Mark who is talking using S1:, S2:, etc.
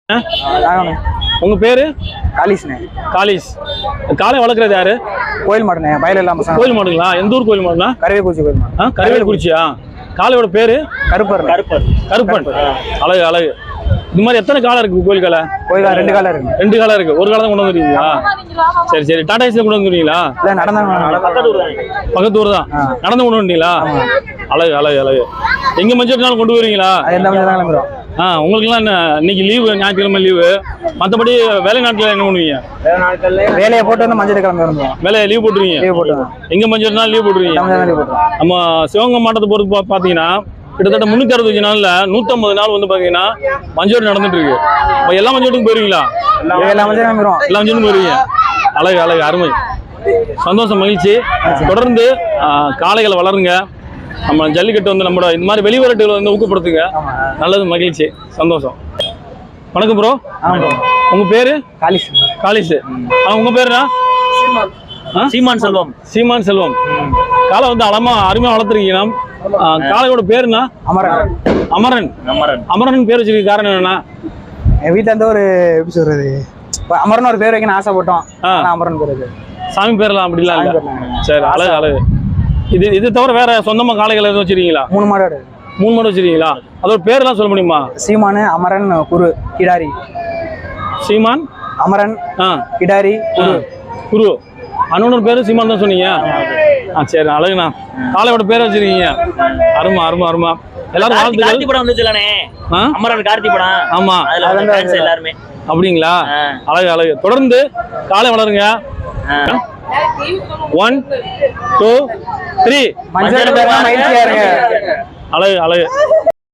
S1: உங்க பேரு?
S2: காலிஸ்ண்ணே.
S1: காலிஸ். காளை வளர்க்குறது யாரு?
S2: கோயில் மாடுண்ணே, வயல் இல்லாம.
S1: கோயில் மாடுங்களா? எந்த ஊர் கோயில் மாடுனா?
S2: கருவேக்குறிச்சி கோயில் மாடு.
S1: கருவேக்குறிச்சியா? காளையோட பேரு?
S2: கருப்பர்.
S1: கருப்பன். அழகு அழகு. இந்த மாதிரி எத்தனை காலை இருக்கு கோயில் காலை?
S2: கோயில் 2 காலை இருக்கு.
S1: 2 காலை இருக்கு. ஒரு காலை தான் கொண்டு வந்துருக்கீங்களா? சரி சரி. டாடா ஏசில கொண்டு வந்துருக்கீங்களா?
S2: இல்ல, நடந்தாங்க.
S1: பக்கத்து ஊர் தான். நடந்து கொண்டு வந்தீங்களா? அழகு அழகு அழகு. எங்க மஞ்சள் கொண்டு வருவீங்களா? உங்களுக்குலாம் என்ன இன்னைக்கு லீவு, ஞாயிற்றுக்கிழமை லீவு. மற்றபடி வேலை நாட்டில் என்ன பண்ணுவீங்க?
S2: வேலையை போட்டு வந்து மஞ்சள் கிழமை வருவோம்.
S1: வேலையை லீவ் போட்டுருவீங்க?
S2: லீவ் போட்டுருவோம்.
S1: எங்க மஞ்சள் நாள் லீவ் போட்டுருவீங்க? நம்ம சிவகங்கை மாவட்டத்தை பொறுத்து பார்த்தீங்கன்னா கிட்டத்தட்ட 365 நாள்ல 150 நாள் வந்து பாத்தீங்கன்னா மஞ்சோடு நடந்துட்டு இருக்கு. எல்லா மஞ்சோட்டுக்கும் போயிருவீங்களா?
S2: எல்லா
S1: மஞ்சளும் போயிருவீங்க. அழகு அழகு, அருமை, சந்தோஷம், மகிழ்ச்சி. தொடர்ந்து காளைகளை வளருங்க. நம்ம ஜல்லிக்கட்டு வந்து நம்மளோட இந்த மாதிரி வெளிவரட்டுகளை வந்து ஊக்கப்படுத்துங்க. நல்லது, மகிழ்ச்சி, சந்தோஷம். வணக்கம் ப்ரோ. உங்க பேரு?
S2: காலிஸ்.
S1: காலிஸ். உங்க பேருனா?
S3: சீமான் செல்வம்.
S1: சீமான் செல்வம். காளை வந்து அருமையா வளர்த்துருக்கீங்க. காளையோட பேருனா?
S2: அமரன்.
S1: அமரன். அமரன் பேர் வச்சிருக்க காரணம் என்னன்னா,
S2: என் வீட்டுல இருந்து ஒரு எப்படி சொல்றது, அமரன் ஒரு பேர் வைக்கணும் ஆசைப்பட்டோம். அமரன் பேரு.
S1: சாமி பேர்லாம் அப்படிலாம் இல்ல? சரி, அழகு அழகு. இது தவிர வேற சொந்தமா காளைகள் எதுவும் வச்சிருக்கீங்களா?
S2: 3 மாடு.
S1: 3 மாடு வச்சிருக்கீங்களா? அதோட பேர்லாம் சொல்ல முடியுமா?
S2: சீமானு, அமரன், குரு, கிடாரி.
S1: சீமான்,
S2: அமரன், கிடாரி,
S1: குரு. அண்ணனோட பேரு சீமான் தான் சொன்னீங்க. சரி, அழகுண்ணா. காளையோட பேரை வச்சிருக்கீங்க. அருமா அருமா அருமா. எல்லாரும்
S3: கார்த்தி படம் வந்துச்சுலனே, அமரன் கார்த்தி படம். ஆமா, அதுல ஃபேன்ஸ் எல்லாரும். அப்படிங்களா?
S1: அழகு அழகு. தொடர்ந்து காளை வளருங்க. 1 2 3.
S2: மஞ்சள் மகிழ்ச்சியா இருங்க.
S1: அழகு அழகு.